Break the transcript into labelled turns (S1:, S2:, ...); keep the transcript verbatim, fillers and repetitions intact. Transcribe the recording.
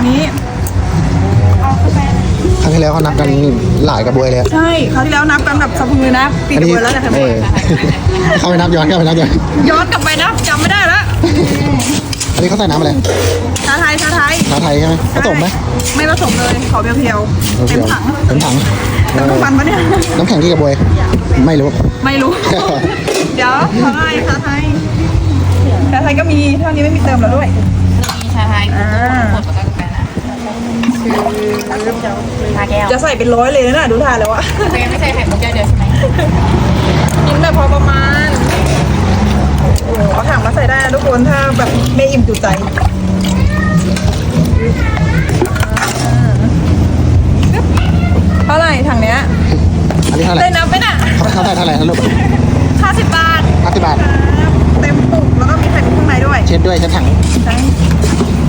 S1: นี้เอากาแฟ
S2: ครั้งที่แล้วเขานับกันหลายกระบวยเลย
S1: ใช่คราวที่แล้วนับกันแบบสะพือนะปีกระบวยแล้วแต่ทำไม
S2: เออเข้าไปนับย้อนเข้าไปนับย้อน
S1: ย้อนกลับไปนะจำไม่ได้แล้ว
S2: อันนี้เขาใส่น้ำอะไร
S1: ชาไทยชาไทย
S2: ชาไทยใช่ไหมผสมไหม
S1: ไม่ผสมเลยขอเพียวๆเต็มถัง
S2: เต็มถัง
S1: เต็มทุกวันปะเนี่ย
S2: น้ำแข็งที่กระบวยไม่รู้
S1: ไม่รู้ เดี๋ยวชาไทยชาไทยชาไทยก็มีเท่านี้ไม่มีเติมแล้วด้วย
S3: มีชาไทย
S1: อ่า
S3: หมดแล้วก็กาแฟนะชาแก้ว
S1: จะใส่เป็นร้อยเลยนะน่ะดูท่าแล้วอะ
S3: แต่ยังไม่ใส่ไข่มุกแก้วเดียวใช่ไหม
S1: กินแบบพอประมาณโอ้เอาถังมาใส่ได้นะทุกคนถ้าแบบไม่อิ่มจุใจเท่าไหร่ถังเนี้ย
S2: อันนี้เท่าไหร่
S1: ได้นับไหมน่ะ
S2: เขาเขาใส่เท่าไหร่นะลูก
S1: ห้าสิบบาท
S2: ห้าสิบบาท
S1: เต็มปุกแล้วก็มีไข่มุกข้างในด้วย
S2: เช็ดด้วยเช็ดถัง
S1: ใช่